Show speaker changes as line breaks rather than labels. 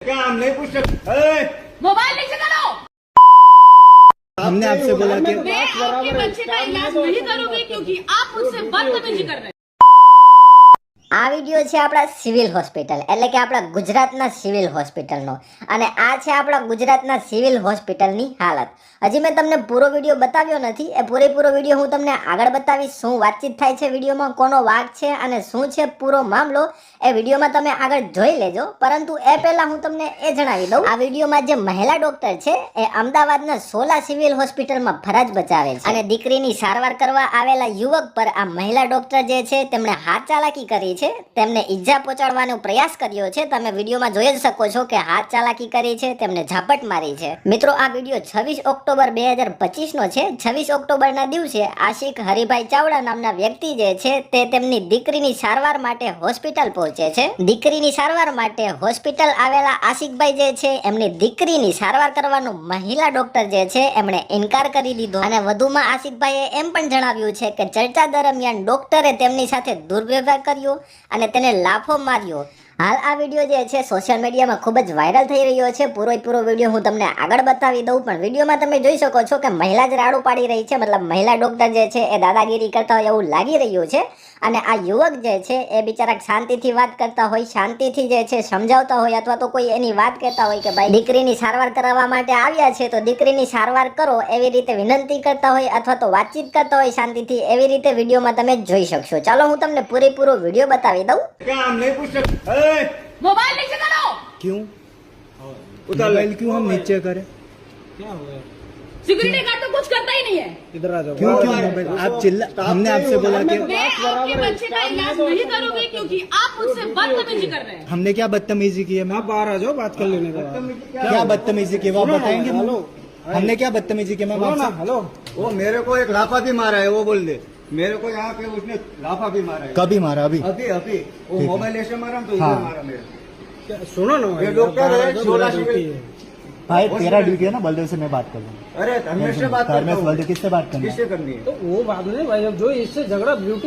क्या हम नहीं पूछ सकते?
मोबाइल नीचे करो।
हमने आपसे बोला कि
मैं आपके बच्चे का इलाज नहीं करूंगी क्योंकि आप मुझसे बदतमीजी कर रहे हैं।
આ વિડિયો છે આપણા સિવિલ હોસ્પિટલ એટલે કે આપણા ગુજરાતના સિવિલ હોસ્પિટલનો અને આ છે આપણા ગુજરાતના સિવિલ હોસ્પિટલની હાલત. હજી મેં તમને પૂરો વિડિયો બતાવ્યો નથી. એ પૂરેપૂરો વિડિયો હું તમને આગળ બતાવીશ. શું વાતચીત થાય છે વિડિયોમાં, કોનો વાક છે અને શું છે પૂરો મામલો, એ વિડિયોમાં તમે આગળ જોઈ લેજો. પરંતુ એ પહેલા હું તમને એ જણાવી દઉં, આ વિડિયોમાં જે મહિલા ડોક્ટર છે એ અમદાવાદના સોલા સિવિલ હોસ્પિટલમાં ફરજ બજાવે છે અને દીકરીની સારવાર કરવા આવેલા યુવક પર આ મહિલા ડોક્ટર જે છે તેમણે હાથ ચાલાકી કરી છે, તેમને ઈજા પહોંચાડવાનો પ્રયાસ કર્યો છે. તમે વિડીયોમાં જોઈ જ શકો છો કે હાથ ચાલાકી કરી છે, તેમને ઝાપટ મારી છે. મિત્રો, આ વિડીયો 26 ઓક્ટોબર 2025 નો છે. 26 ઓક્ટોબરના દિવસે આશિક હરિભાઈ ચાવડા નામના વ્યક્તિ જે છે તે તેમની દીકરીની સારવાર માટે હોસ્પિટલ પહોંચે છે. દીકરીની સારવાર માટે હોસ્પિટલ આવેલા આશિકભાઈ જે છે એમની દીકરીની સારવાર કરવાનું મહિલા ડોક્ટર જે છે એમણે ઇનકાર કરી દીધો અને વધુમાં આશિકભાઈએ એમ પણ જણાવ્યું છે કે ચર્ચા દરમિયાન ડોક્ટરે તેમની સાથે દુર્વ્યવહાર કર્યો અને તેને લાફો માર્યો. હાલ આ વિડીયો જે છે સોશિયલ મીડિયામાં ખૂબ જ વાયરલ થઈ રહ્યો છે. પૂરો વિડીયો હું તમને આગળ બતાવી દઉં, પણ વિડીયોમાં તમે જોઈ શકો છો કે મહિલા જ રાડું પાડી રહી છે. મતલબ મહિલા ડોક્ટર જે છે એ દાદાગીરી કરતા હોય એવું લાગી રહ્યું છે અને આ યુવક જે છે એ બિચારા શાંતિથી વાત કરતા હોય, શાંતિથી જે છે સમજાવતા હોય અથવા તો કોઈ એની વાત કહેતા હોય કે ભાઈ દીકરીની સારવાર કરાવવા માટે આવ્યા છે તો દીકરીની સારવાર કરો, એવી રીતે વિનંતી કરતા હોય અથવા તો વાતચીત કરતા હોય શાંતિથી, એવી રીતે વિડીયોમાં તમે જોઈ શકશો. ચાલો હું તમને પૂરેપૂરો વિડીયો બતાવી દઉં.
क्या हम नहीं पूछ सकते?
मोबाइल नीचे करो।
क्यों
उतार ले।
मोबाइल क्यों हम नीचे करें?
सिक्योरिटी गार्ड तो कुछ करता ही नहीं है।
इधर आ जाओ.
क्यों क्यों मोबाइल आप चिल्ला, हमने आपसे बोला कि
मैं आपके बच्चे का इलाज नहीं करूंगी क्योंकि आप मुझसे बदतमीजी कर रहे हैं।
हमने क्या बदतमीजी की है मैम?
आप बाहर आ जाओ, बात कर लेने का.
क्या बदतमीजी की वो आप बताएंगे? हमने क्या बदतमीजी की मैम आपसे?
हेलो, वो मेरे को एक लाफा भी मारा है, वो बोल दे. मेरे को यहाँ पे उसने लाफा भी मारा है.
कभी मारा? अभी
अभी अभी वो
ठीक है.
मोबाइल ऐसे मारा तो
हाँ.
इधर मारा मेरे. सुनो ना, ये डॉक्टर है, सोलह सिविल.
भाई तेरा ड्यूटी है ना, बलदेव से मैं बात कर लूंगा.
अरे धर्मेश से बात करता
धर्मेश
हूँ.
बलदेव किससे बात करनी है?
किससे करनी है?
तो वो बात नहीं भाई, अब जो इससे झगड़ा ब्यूटी